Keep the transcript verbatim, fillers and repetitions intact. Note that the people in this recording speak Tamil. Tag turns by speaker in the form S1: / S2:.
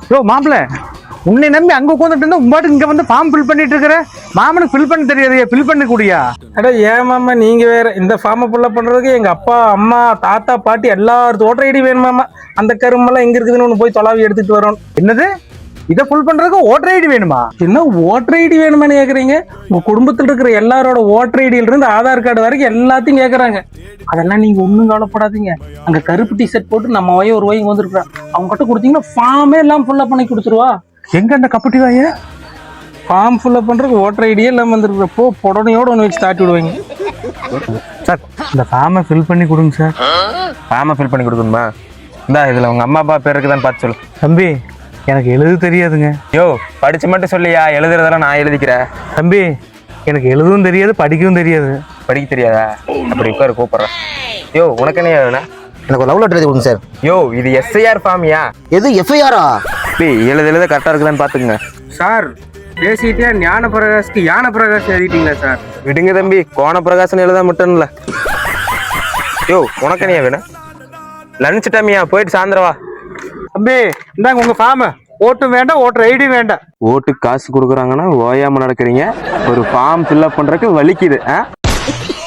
S1: யோ மாப்பிள்ள, உன்னை நம்பி அங்க உட்காந்துட்டு இருந்தா உம்பாட்டுக்கு இங்க வந்து ஃபார்ம் ஃபில் பண்ணிட்டு இருக்கிற. மாமனுக்கு ஃபில் பண்ண தெரியாதையா? ஃபில் பண்ண கூடியா?
S2: அட ஏன் மாமா நீங்க வேற, இந்த ஃபார்மை ஃபுல்லப் பண்றதுக்கு எங்க அப்பா அம்மா தாத்தா பாட்டி எல்லாரும் ஓட்டர் ஐடி வேணுமாமா. அந்த கரும்பெல்லாம் எங்க இருக்குதுன்னு ஒன்று போய் தொலாவி எடுத்துட்டு வரோம்.
S1: என்னது? இதை ஃபுல் பண்றதுக்கு ஓட்டர் ஐடி வேணுமா?
S2: என்ன ஓட்டர் ஐடி வேணுமான்னு கேக்குறீங்க? உங்க குடும்பத்தில் இருக்கிற எல்லாரோட ஓட்டர் ஐடியில இருந்து ஆதார் கார்டு வரைக்கும் எல்லாத்தையும் கேக்குறாங்க. அதெல்லாம் நீங்க ஒண்ணும் கவலைப்படாதீங்க. அங்க கருப்பு டிஷர்ட் போட்டு நம்ம வய ஒரு வயங்க வந்திருக்கிறா, அவங்க கிட்ட கொடுத்தீங்கன்னா ஃபார்மே எல்லாம் ஃபுல்லப் பண்ணி கொடுத்துருவா.
S1: எங்க அந்த கப்பட்டி வாய?
S2: ஃபார்ம் ஃபுல்லப் பண்றதுக்கு ஓட்டர் ஐடியே எல்லாம் வந்துருக்கிறப்போ புடனையோட ஒன்று வச்சு தாட்டி விடுவாங்க.
S1: சார், இந்த ஃபார்மை ஃபில் பண்ணி கொடுங்க சார்.
S3: ஃபார்மை ஃபில் பண்ணி கொடுக்கணுமா? இந்தா இதுல உங்க அம்மா அப்பா பேர் இருக்குதான்னு பார்த்து சொல்லு.
S1: தம்பி, எனக்கு எழுத தெரியாதுங்க.
S3: யோ, படிச்சு மட்டும் சொல்லியா? எழுதுறதெல்லாம் நான் எழுதிக்கிறேன்.
S1: தம்பி, எனக்கு எழுதவும் தெரியாது, படிக்கவும் தெரியாது.
S3: படிக்க தெரியாதா? அப்படி உட்காரு, கூப்பிடுறேன். யோ, உனக்கு என்ன வேணும்?
S4: எனக்கு லவ் லெட்டர் எழுதி கொடுங்க சார்.
S3: யோ, இது எஸ்ஐஆர் ஃபார்மியா?
S4: எது எஃப்ஐஆரா?
S3: எழுத எழுத கரெக்டா இருக்குதான்னு பாத்துக்குங்க
S2: சார், பேசிட்டே ஞான பிரகாஷ்க்கு ஞான பிரகாஷ் எழுதிட்டீங்களா சார்?
S3: விடுங்க தம்பி, கோண பிரகாசன் எழுத மட்டும்ல. யோ, உனக்கு என்ன வேணும்? லஞ்ச் டைமியா? போயிட்டு சாயந்தரம் வா.
S1: தம்பி, இந்தாங்க உங்க ஃபார்ம். ஓட்டும் வேண்டாம், ஓட்டர் ஐடி வேண்டாம்.
S3: ஓட்டுக்கு காசு கொடுக்குறாங்கன்னா ஓயாம நடக்கிறீங்க. ஒரு ஃபார்ம் ஃபில்அப் பண்றதுக்கு வலிக்குது.